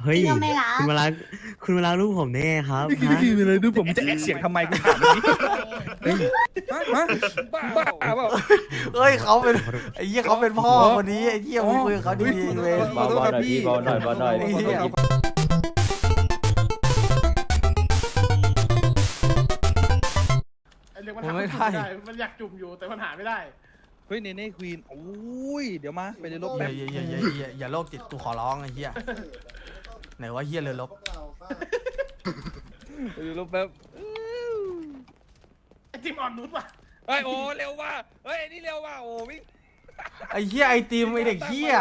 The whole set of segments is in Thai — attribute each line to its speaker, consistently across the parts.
Speaker 1: เฮ้ย
Speaker 2: พี่ก็ไม่รัก
Speaker 1: คุณมารักคุณมารักลูกผมแน่ครับ
Speaker 3: นี่
Speaker 1: ฮะ
Speaker 3: คืออะไรดูผมจะแอคเสียงทำไมกูถามแบบนี้ฮะบ้าเปล่า
Speaker 4: เฮ้ยเขาเป็นไอ้เหี้ยเขาเป็นพ่อคนนี้ไอ้เหี้ยมึงคุยกับเขาดีๆเลย
Speaker 3: ขอโทษครับพี่
Speaker 5: เบาหน่อยเบาหน่อย
Speaker 4: ไอ้เหี้ย
Speaker 6: เรียกว่าทำไม่ได้มันอยากจุ่มอยู่แต่มันหาไม่ได้
Speaker 3: เฮ้ยเนเน่ควีนโอ้ยเดี๋ยวมาไปเรือรบ
Speaker 4: อ
Speaker 3: แป๊บ
Speaker 4: ย่าโรคจิตกูขอร้องไอ้เหี้ยไหนว่าเหี้ยเลยลบ
Speaker 3: ไปเรือรบแป๊บ
Speaker 6: ไอจิมอ่อนนุชว่ะ
Speaker 3: เฮ้ยโอ้เร็วว่ะเฮ้ยนี่เร็วว่ะโอ้วิ่ง
Speaker 4: ไอ้เหี้ยไอติมไอเด็กเหี้ย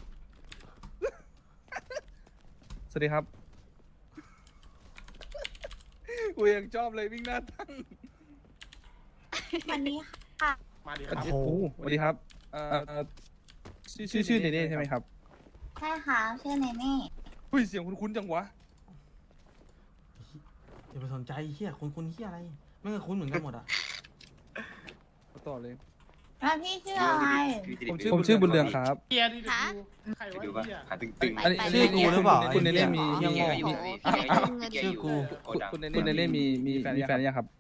Speaker 3: สวัสดีครับกูยังชอบเลยวิ่งหน้าตั้ง
Speaker 2: วันนี้ค่ะ
Speaker 6: มาดิครับ
Speaker 3: โอ้โหสวัสดีครับชื่อเนเน่ใช่ไหมครับ
Speaker 2: ใช่ค่ะชื่อเนเน่
Speaker 3: อุ้ยเสียงคุ้นๆจังวะ
Speaker 4: อย่าไปสนใจเหี้ยคุณเหี้ยอะไรไม่เคยคุ้นเหมือนกันหมดอ่ะ
Speaker 3: ต่อเลย
Speaker 2: แล้วพี่ชื่ออะไร
Speaker 3: ผมชื่อบุญเรืองครับ
Speaker 6: เกียร์ดิดูใครวะ
Speaker 7: ดูป่ะ
Speaker 6: เกียร์
Speaker 7: ขาตึง
Speaker 3: อันนี้
Speaker 4: ชื่อกูหรือเปล่า
Speaker 3: คุณเนเน่มี
Speaker 4: ไอ้เหี้ย
Speaker 2: โอ้โหพี่ได้เงิน
Speaker 4: ชื่อกู
Speaker 3: คุณเนเน่มีแฟนยังครับ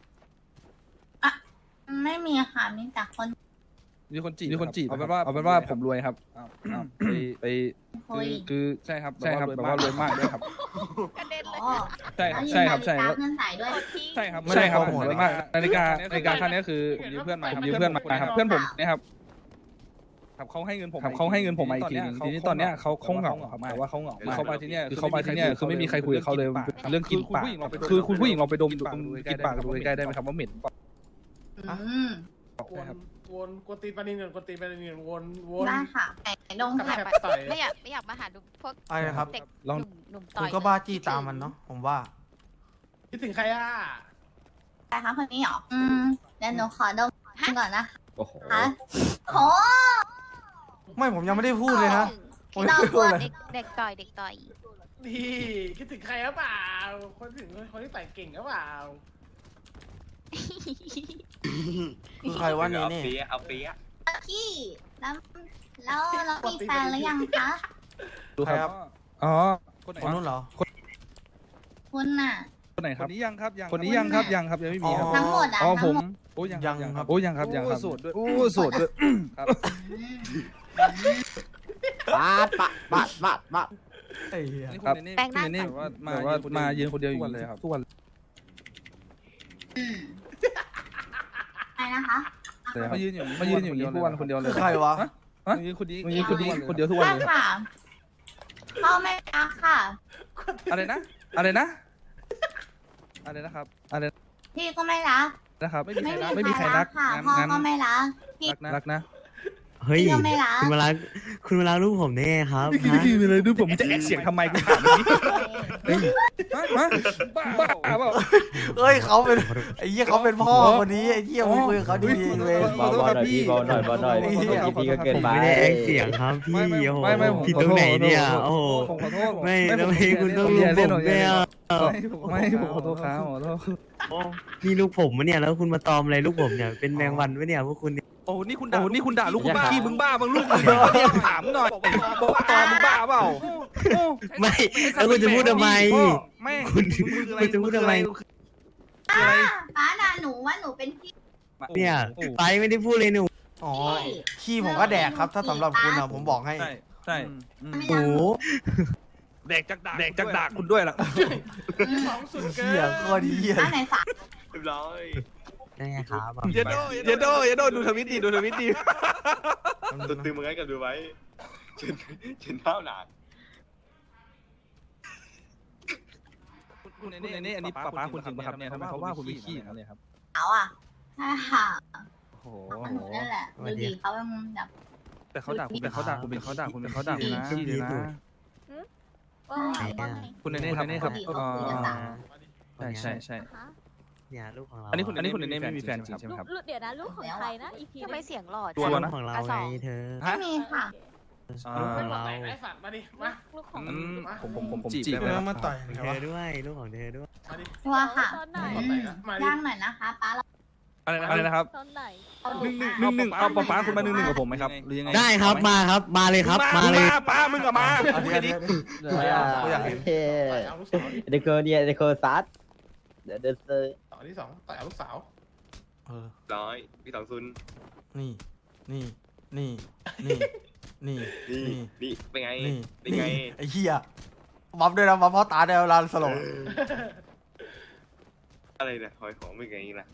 Speaker 2: ไม่มีค่ะมีแต่คน
Speaker 3: มีคนจีบเอาเป็นว่าผมรวยครับไป
Speaker 2: คุย
Speaker 3: คือใช่ครับแบบว่ารวยมากด้วยครับ
Speaker 2: กระเด็นเลย
Speaker 3: ใช่ครับใช่
Speaker 2: แล้ว
Speaker 3: ครับ
Speaker 2: ยืมนาฬิกาเงินใส่ด้วย
Speaker 3: ใช่ครับผมรวยมากนาฬิกาค่านี้คือผมยืมเพื่อนมาครับเพื่อนผมนะครับครับเขาให้เงินผมมาอีกทีนึงทีนี้ตอนเนี้ยเขาเหงาครับแต่ว่าเขาเหงาเขามาที่เนี่ยคือไม่มีใครคุยกับเขาเลยเรื่องกินปากคือคุณผู้หญิงลองไปดมกินปากดูใกล้ๆได้ไหมครับว่าเหม็น
Speaker 2: อืม
Speaker 6: กวนตีนปานินกวนตีนปานินวน
Speaker 2: ได้ค่ะไหนลง
Speaker 6: กับ
Speaker 2: แท็บ
Speaker 6: แทบต่อย
Speaker 8: ไม่อยากมาหาดูพวก
Speaker 4: อะไรนะครับ
Speaker 8: เด็ก
Speaker 3: ลอง
Speaker 8: หนุ่มต่
Speaker 4: คุ
Speaker 8: อย
Speaker 4: ณก็บ้าจี้ตามมันเนาะผมว่า
Speaker 6: คิดถึงใครอ่ะ
Speaker 2: ใครคะคนนี้เหรอเดี๋ยวหนูขอดมก่อนนะ
Speaker 5: โอ้โห
Speaker 2: คะโห
Speaker 4: ไม่ผมยังไม่ได้พูดเลยนะ
Speaker 2: พี่น้องกลัว
Speaker 8: เด็กต่อย
Speaker 6: ดีคิดถึงใครหรือเปล่าคนถึงคนที่ต่อยเก่งหรือเปล่า
Speaker 4: คือใครวะ
Speaker 7: ๆ
Speaker 4: นี่
Speaker 7: เอา
Speaker 4: นี่
Speaker 7: เปี๊ยะเอาเปี๊ยะ
Speaker 2: พี่แล้วมีแฟนหรือยังคะ
Speaker 3: ดูครับอ๋อคนไหน
Speaker 4: คนนู้นเหรอ
Speaker 2: คุณน่ะ
Speaker 3: คนไหนครับคนนี้ยังครับยังไม่มีครับ
Speaker 2: ทั้งหมดอ่ะ
Speaker 3: อ๋อผ
Speaker 2: ทั้ง
Speaker 3: ม
Speaker 2: หมด
Speaker 3: โอ้ยัง
Speaker 4: ครับ
Speaker 3: โอ้ยังครับโสดด้วยโอ้โสดด้วยครับ
Speaker 2: อืม
Speaker 5: ปาดปาด
Speaker 4: ไอ้เหี้ย
Speaker 3: ครับคุณเนเน่แบบว่ามายืนคนเดียวอยู่เลยครับทุกวัน
Speaker 2: อืมอะไรนะคะ
Speaker 3: เลยมายืนอย่างนี้ทุกวันคนเดียวเลย
Speaker 4: คือใครวะ
Speaker 3: มายืนคนเดียวทุกวัน
Speaker 2: ใช่
Speaker 3: เลย
Speaker 2: ค่ะพ่อไม่รักค่ะ
Speaker 3: อะไรนะครับอะไร
Speaker 2: พี่ก็ไม่รัก
Speaker 3: นะครับไม่
Speaker 2: ไม่
Speaker 3: มี
Speaker 2: มี
Speaker 3: ใค
Speaker 2: ใค
Speaker 3: ร
Speaker 2: ร
Speaker 3: รั
Speaker 2: รั
Speaker 3: ก
Speaker 2: กค่ะพ่อก็ไม่รักพี่
Speaker 3: รักนะ
Speaker 1: เฮ้ย
Speaker 2: พี่ก็ไม่รัก
Speaker 1: คุณมารักคุณมารักลูกผมแน่ครับ
Speaker 3: นี่
Speaker 1: ฮะ
Speaker 3: คืออะไรดูผมจะแอคเสียงทำไมกูถามแบบนี้บ้าเปล่า
Speaker 4: เฮ้ยเขาเป็นไอ้เหี้ยเขาเป็นพ่อคนนี้ไอ้เหี้ยมึงคุยกับเขาดีๆเลย
Speaker 5: เบาหน่อยพี่เบาหน่อยพี่ก็เกิน
Speaker 1: ผม
Speaker 5: ไป
Speaker 1: ไม่ได้แอคเสียงครับพี่โอ้โห
Speaker 3: ไม่
Speaker 1: ผิดตรงไหนเนี่ยโอ้โห
Speaker 3: ผมขอโทษ
Speaker 1: ไม่ทำไมคุณต้องลูกผมเนี่ย
Speaker 3: ไม่ผมขอโทษครับขอโทษ
Speaker 1: นี่ลูกผมมะเนี่ยแล้วคุณมาตอมอะไรลูกผมเนี่ยเป็นแมงวันวะเนี่ยพวกคุณเนี่ย
Speaker 3: โอ้นี่คุณด่าลูกคุณบ้าพี่มึงบ้ามึงลูกมึงเนี่ยถามหน่อยบอกว่าตอมึงบ้าเปล่า
Speaker 1: ไม่แล้วคุณจะพูดทำไม
Speaker 3: แม่
Speaker 1: คุณจะพูดทำไม
Speaker 2: ป้าด่าหนูว่าหนูเป็นพี่
Speaker 1: เนี่ยไปไม่ได้พูดเลยหนู
Speaker 4: อ๋อขี้ผมก็แดกครับ ถ้าสำหรับคุณอะผมบอกให้
Speaker 3: ใช่
Speaker 2: ไม่
Speaker 1: โอ้
Speaker 2: รัก
Speaker 1: โห
Speaker 3: แดกจากด่าคุณด้วยล่ะ
Speaker 6: ของสุดเกิ
Speaker 4: เหี้ย
Speaker 6: น
Speaker 4: โคตรเหี้ย
Speaker 2: ป้าไหนฝาก
Speaker 7: เรียบร้อย
Speaker 1: ได้ไงครับ
Speaker 3: เยโดดูทวิตดี
Speaker 7: ตัวตึงมึงให้กันดูไว้เชนเท้าหนา
Speaker 3: คุณเนเน่อันนี้ป้าคุณจริงป่ะครับเนี่ยทำไมเขาว่าคุณวิขี้อย่างนี้ครับ
Speaker 2: เขาอ่ะใช่ค่ะ
Speaker 3: โอ้โห
Speaker 2: หนูนั่นแหละดูดีเขาเป็นแบบ
Speaker 3: แต่เขาด่าคุณนะขี้เลยนะ คุณเนเน่ครับใช่
Speaker 1: เนี่ยลูกของเรา
Speaker 3: อันนี้คุณเนเน่ไม่มีแฟนจริงใช่ไหมครับ
Speaker 9: เดี๋ยวนะลูกของใครนะอีพี
Speaker 8: ทำไมเสียงหล่อ
Speaker 3: ตัว
Speaker 1: ลู
Speaker 3: นะ
Speaker 1: กของเราไงเธอ
Speaker 2: ไม่มีค่ะ
Speaker 1: ลูกของเรา
Speaker 6: ไอ้สัตว์มาดิมา
Speaker 9: ลูกของ
Speaker 3: ผมจีบ
Speaker 4: เอ
Speaker 3: ได้
Speaker 4: อ
Speaker 3: ไหม
Speaker 4: มาต่อย
Speaker 1: เธอด้วยลูกของเธอด้วย
Speaker 6: มาดิ
Speaker 2: ตัวค่ะ
Speaker 9: ตอนไหน
Speaker 6: มาดิ
Speaker 2: ย่างหน่อยนะคะป้าเรา
Speaker 3: อะไรนะครับ
Speaker 8: ตอนไหน
Speaker 3: 1-1เอาป๊าคุณมา1-1กับผมไหมครับหรือยังไง
Speaker 1: ได้ครับมาครับมาเลยครับมาเลย
Speaker 3: ป้ามึงกับมา
Speaker 4: อันนี้กูอยากเห็น
Speaker 6: ต่อยเอาลูกสาว
Speaker 5: เดโคเนี่ยเดโคซัดเดี๋ยวเดซอร์
Speaker 6: ต่อที่สองต่อยเอาลูกสาว
Speaker 4: เออ
Speaker 7: ร้อยพี่สองซุน
Speaker 4: นี่นี่ นี่นี่
Speaker 7: นี่เป็นไง
Speaker 4: นี่
Speaker 7: เป็นไง
Speaker 4: ไอ้เหี้ยบัฟด้วยนะบัฟพ่อตาได้เวลาสลบ
Speaker 7: อะไรเนี่ยหอยของเป็นไงล่ะ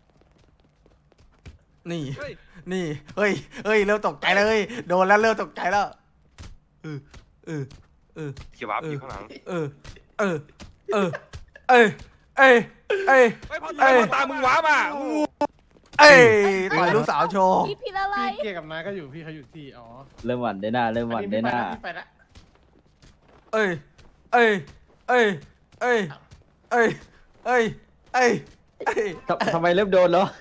Speaker 4: นี่นี่เฮ้ยเริ่มตกใจเลยโดนแล้วเริ่มตกใจแล้วเออ
Speaker 7: เขียววับอยู่ข้างหลัง
Speaker 4: เอ้ย
Speaker 3: พ่อตามึงว้ามา
Speaker 4: ต่อยลูกสาวโชว์
Speaker 8: พี่ผิดอะไร
Speaker 6: พี่เกียร์กับนายก็อยู่พี่เขาอยู่ที่อ๋อ
Speaker 5: เริ่มหวั่นได้หน้าเริ่มหวั่นได้หน้า
Speaker 6: พี่ไปละ
Speaker 4: เอ้ย
Speaker 5: ทำไมเริ่มโดนแล้ว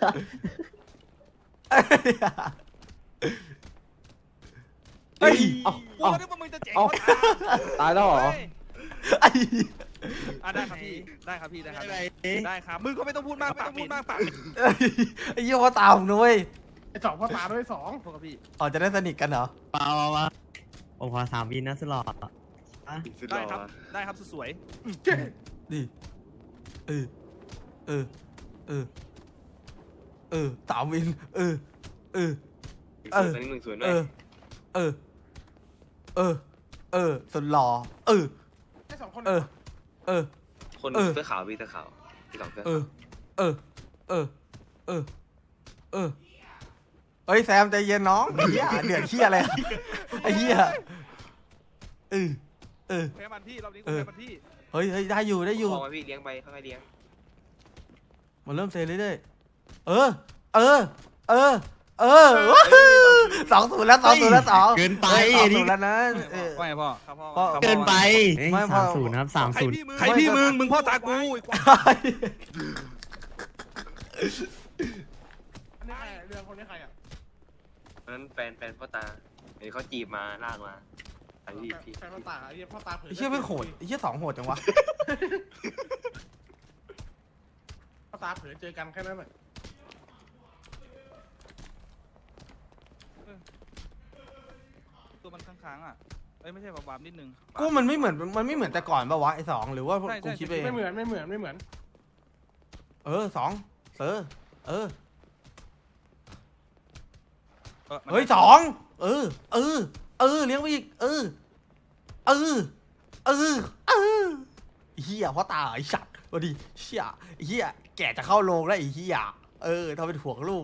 Speaker 4: เอ้ย
Speaker 3: กูนึกว่ามึงจะเจ๋ง
Speaker 5: ตายแล้วเหรอ
Speaker 4: ไอ้
Speaker 3: ได้ครับพี่ได้ครับได้ครับมึงก็ไม่ต้องพูดมากปาก
Speaker 4: ไอ้เหี้ยพ่อตาผมนุ้ย
Speaker 6: ไอ้สองพ่อตาด้วยสอง
Speaker 3: พวกครับพี่
Speaker 4: อ๋อจะได้สนิทกันเหรอ
Speaker 1: เปล่าผมขอ3 วินนะสลอด
Speaker 7: สุดห
Speaker 3: ได้
Speaker 7: ล่อ
Speaker 3: ครับได้ครับสวย
Speaker 4: นี่สามวิน
Speaker 7: ตอนนี้1-0ด้ว
Speaker 4: สุดหล่อ
Speaker 6: ไอ้สองคน
Speaker 7: คนเสื้อขาวพี่เสื้อขาวพี่สองเสื้อ
Speaker 4: เฮ้ยแซมใจเย็นน้องเหี้ยเดือดเหี้ยอะไรไอ้เหี้ย
Speaker 3: ๆแพ้มันพี่รอบนี้กูแพ้มันพี่
Speaker 4: เฮ้ยได้อยู่
Speaker 7: พอมาพี่เลี้ยงไปค่อยๆเลี้ยง
Speaker 4: มันเริ่มเซเรื่อยๆ2-0แล้ว2
Speaker 1: เกินไป
Speaker 4: 2-0แล้วนะ
Speaker 3: ว่าไงพ่อครับพ่อ
Speaker 1: เกินไป
Speaker 4: ไม่พอ
Speaker 1: 30ครับ30
Speaker 3: ใครพี่มึงพ่อตากู
Speaker 6: เรื่องคนนี้ใครอ่ะ
Speaker 7: เพราะนั้นแฟนพ่อตาเห็นเขาจีบมาลากมาไอ้พี่
Speaker 6: แฟนพ่อตาไอ้พ่อตาเผย
Speaker 4: ไอ้เหี้ยไม่โหดไอ้เหี้ย2โหดจังวะ
Speaker 6: พ่อตาเผยเจอกันแค่นั้นแหละ
Speaker 3: ตัวมันค้างๆอ่ะเอ้ยไม่ใช่บาบนิดนึง
Speaker 4: กูมันไม่เหมือนแต่ก่อนป่าวะไอ้2หรือว่ากูคิดไปเอง
Speaker 6: ไม่เหมือน
Speaker 4: 2เฮ้ย2เลี้ยงไปอีกเฮียพ่อตาไอ้สัตว์พอดีเชี่ยเฮียแกจะเข้าโรงแล้วไอ้เฮียทำเป็นห่วงลูก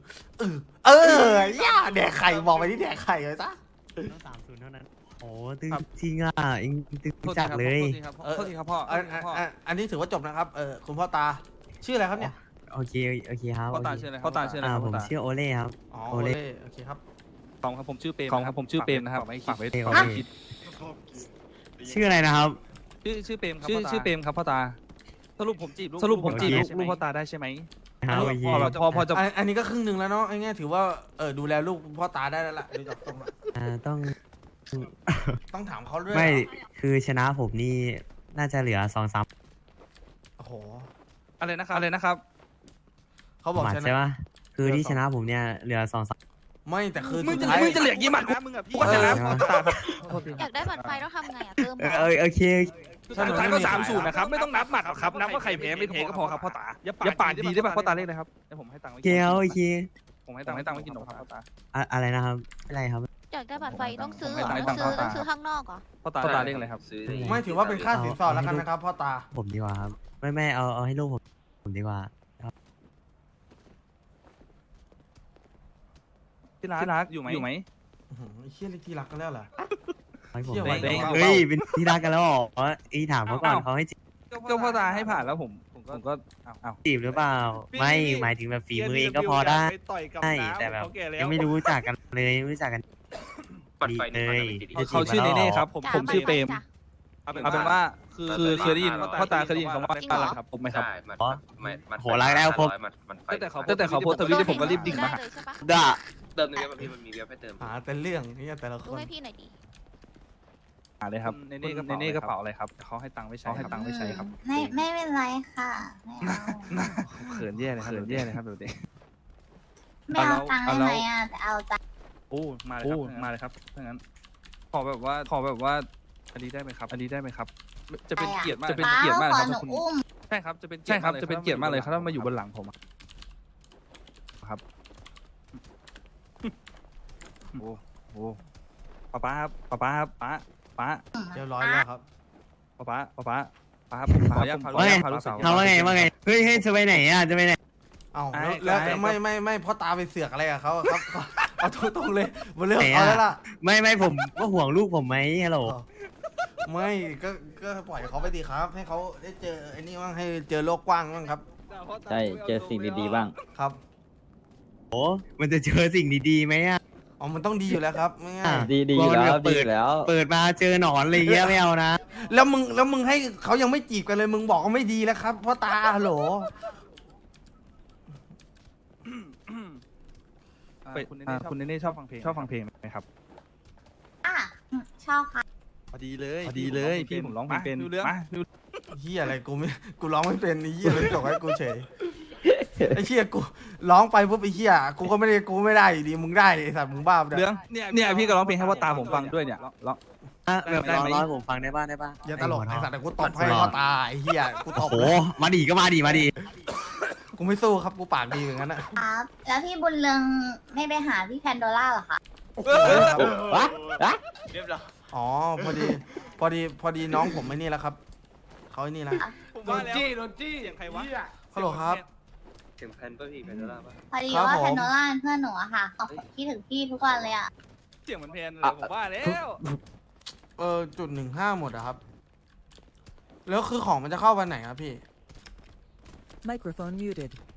Speaker 4: ย่าแดกไข่บอกไปที่แดกไข่เลยจ้ะ
Speaker 1: ต้อง30เท่านั้นโอ้ตึงจริงอ่ะเองตึงจัดเลย
Speaker 3: โทษทีครับพ่อ
Speaker 4: อันนี้ถือว่าจบนะครับคุณพ่อตาชื่ออะไรครับเนี่ย
Speaker 1: โอเคครับ
Speaker 3: พ่อตาชื่ออะไรพ่อตาชื่ออะไร
Speaker 1: ผมชื่อโอเล่ครับ
Speaker 4: อ๋อ
Speaker 1: โอเล่
Speaker 4: โอเคครับ
Speaker 3: ของครับผมชื่อเปรมนะครับฝากไว้
Speaker 1: โอเคชื่ออะไรนะครับ
Speaker 3: ชื่อเปรมครับชื่อเปรมครับพ่อตาสรุปผมจีบลูกพ่อตาได้ใช่ไหม
Speaker 1: ครับโอเค
Speaker 3: พอจะ
Speaker 4: อันนี้ก็ครึ่งหนึ่งแล้วเนาะไอ้เงี้ยถือว่าดูแลลูกพ่อตาได้แล้วล่ะดูจากตรงละ ต้องถามเขาด้วย
Speaker 1: ไม่คือชนะผมนี่น่าจะเหลือ2-3
Speaker 4: โอ้โห
Speaker 3: อะไรนะครับ
Speaker 4: เขาบอก
Speaker 1: หมัด
Speaker 4: ชนะ
Speaker 1: ใช่ปะคือที่ชนะผมเนี่ยเหลือ2-3
Speaker 4: ไม่แต่คือ
Speaker 3: มึง
Speaker 4: สุดท้าย
Speaker 3: จะเหลียกยี่หมัดมึงอ่ะพี่ชนะพ่อตา
Speaker 8: อยากได้บัตรไฟต้องทำไงอ่ะเติม
Speaker 1: โอเค
Speaker 3: สุดท้ายก็3-0นะครับไม่ต้องนับหมัดครับนับว่าใครแพ้ไม่แพ้ก็พอครับพ่อตาอย่าปากดีได้ป่ะพ่อตาเล่นเลยครับเดี๋ยวผมให้ตังค์ไว้
Speaker 1: โอเคโอเค
Speaker 3: ผมให้ตังค์ไว้กินนมครับพ่อตา
Speaker 1: อะไรนะครับอะไรครับ
Speaker 8: อยากได้บัตรไฟต้องซื้อ
Speaker 3: ไม่
Speaker 8: เหรอ
Speaker 3: ต้อง
Speaker 8: ต้องซื้อข้างนอกเหรอ
Speaker 3: พ่อตาเล่นเลยครับ
Speaker 4: ไม่ถือว่าเป็นค่าสินสอดแล้วกันนะครับพ่อตา
Speaker 1: ผมดีกว่าครับไม่เอาให้ลูกผมดีกว่า
Speaker 3: ที่รักอยู่ไหม
Speaker 4: เชี่ยที่รักกันแล้วเหรอ
Speaker 1: ให้ผม
Speaker 4: เชี่ยไว้
Speaker 1: เฮ้ยเป็นที่รักกันแล้วเหรอถามเขาก่อนเขาให้จีบ
Speaker 3: ก็พ่อตาให้ผ่านแล้วผมก็เอา
Speaker 1: จีบหรือเปล่าไม่หมายถึงแบบฝีมือเองก็พอได้ใช่แต่แบบยังไม่รู้จักกันเลยไม่รู้จักกัน
Speaker 7: ปัดไฟ
Speaker 1: เล
Speaker 7: นี่
Speaker 1: ย
Speaker 3: เขาชื่อเนเน่ครับผมชื่อเปรม
Speaker 8: จ้ะ
Speaker 3: เอาเป็นว่าคือเคยได้ยินพ่อตาเคยได้ยินคำว่าน่ารักครับผมไหมครับ
Speaker 7: ได้มัน
Speaker 1: โหรักแล้วครบ
Speaker 3: ตั้งแต่เขาโพสต์ทวิตผมก็รีบดิ่งมาหา
Speaker 8: ได้เลยใช่ปะ
Speaker 1: ด่า
Speaker 7: เติมในเว็บพี่มันมีเว็บให้เติม
Speaker 4: หาแต่เรื่องนี่แต่ละค
Speaker 8: ดู
Speaker 4: น
Speaker 8: ให้พี่หน่อยดิ
Speaker 3: เลยครับเนเน่กระเป๋าอะไรครับเขาให้ตังค์ไม่ใช้ครับ
Speaker 2: ไม่เป็นไรค่ะไม่เอา
Speaker 3: เขินแย่เลยครับเดี๋ยว
Speaker 2: ไม่เอาตังค์ได้ไหมอ่ะแต่เอาใจ
Speaker 3: โอ้มาเลยครับมาเลยครับถ้างั้นขอแบบว่าอันนี้ได้ไหมครับ อันนี้ได้ไหมครับ จะเป็นเกียรติมากจะเป็นเกียรติมาก
Speaker 2: ข
Speaker 3: ค
Speaker 2: อ
Speaker 3: รับ
Speaker 2: หนู
Speaker 3: คุณ
Speaker 2: อุ้ม
Speaker 3: ใช่ครับจะเป็นเกียรติมากเลยครับถ้ามาอยู่บนหลังผมอะครับโอ้โหป้าครับป้าครับป้า
Speaker 4: เรียบร้อยแล้วครับ
Speaker 3: ป้าครับผมขออนุญาตพาลูกสาว
Speaker 1: เขาว่าไงเฮ้ยจะไปไหนอ่ะจะไปไหน
Speaker 4: เอ้า
Speaker 3: ไอ้
Speaker 4: แล้ว
Speaker 3: ไอ้
Speaker 4: ไม่พ่อตาไปเสือกอะไรกับเขาอะครับ เอาตรงๆเลยมาเรื่องเขาแล้วล่ะ
Speaker 1: ไม่ผมก็ห่วงลูกผมไหมฮัลโหล
Speaker 4: ไม่ก็ปล่อยเขาไปดีครับ ให้เขาได้เจอไอ้นี่บ้างให้เจอโลกกว้างบ้างครับ
Speaker 5: ใช่เจอสิ่งดีๆบ้าง
Speaker 4: ครับ
Speaker 1: โอ้มันจะเจอสิ่งดีๆไหมอ่ะ
Speaker 4: อ๋อมันต้องดีอยู่แล้วครับไม่ง่าย
Speaker 5: ดีอยู่แล้วดีอยู่แล้ว
Speaker 1: เปิดมาเจอหนอนอะไรเงี้ยไม่เอานะ
Speaker 4: แล้วมึงให้เขายังไม่จีบกันเลยมึงบอกว่าไม่ดีแล้วครับพ่อตาฮัลโหล
Speaker 3: คุณเนเน่ชอบฟังเพลงไหมครับ
Speaker 2: อ่ะชอบค่ะ
Speaker 3: พอดีเลยพี่ผมร้องเพลงเป็นมา
Speaker 4: เฮียอะไรกูร้องไม่เป็นไอ้เฮียเลยจบให้กูเฉยไอ้เฮียกูร้องไปปุ๊บไอ้เฮียกูไม่ได้อยู่ดีมึงได้ไอ้สัตว์มึงบ้าไป
Speaker 3: เรื่องเนี่ยพี่ก็ร้องเพลงให้พ่อตาผมฟังด้วยเนี่ยร้อง
Speaker 1: แบบ
Speaker 3: ได้ไหม
Speaker 1: ร้อยผมฟังได้ป่ะได้ป่ะ
Speaker 4: อย่าตลกไอ้สัตว์แต่กูตบให้พ่อตาไอ้เฮียกูต
Speaker 1: โอ้
Speaker 4: บ
Speaker 1: โหมาดีก็มาดี
Speaker 4: กูไม่สู้ครับกูปากดีอย่างนั้นอะ
Speaker 2: ครับ แล้วพี่บุญเรืองไม่ไปหาพี่แพนโดล่าเหรอคะ
Speaker 5: วะ
Speaker 7: เรียบร้อย
Speaker 4: อ๋อพอดีน้องผมไอ้นี่แล้วครับเขาไอ้นี่แล้ว
Speaker 6: โดนจี้เสียงใครวะ
Speaker 4: ฮัลโหลครับ
Speaker 7: เสียงแพนป่ะพี่แพนโดล่าป่ะ
Speaker 2: พอดี
Speaker 4: ครับ
Speaker 2: ว่า
Speaker 4: ผม
Speaker 2: แพนโดล่าเป็นเพื่อนหนูอะค่ะเขาคิดถึงพี่ทุกวันเลยอะ
Speaker 3: เสียงเหมือนเพลงเลยผมว่าแล้ว
Speaker 4: .15 หมดอะครับ แล้วคือของมันจะเข้าวันไหนครับพี่
Speaker 9: Microphone muted.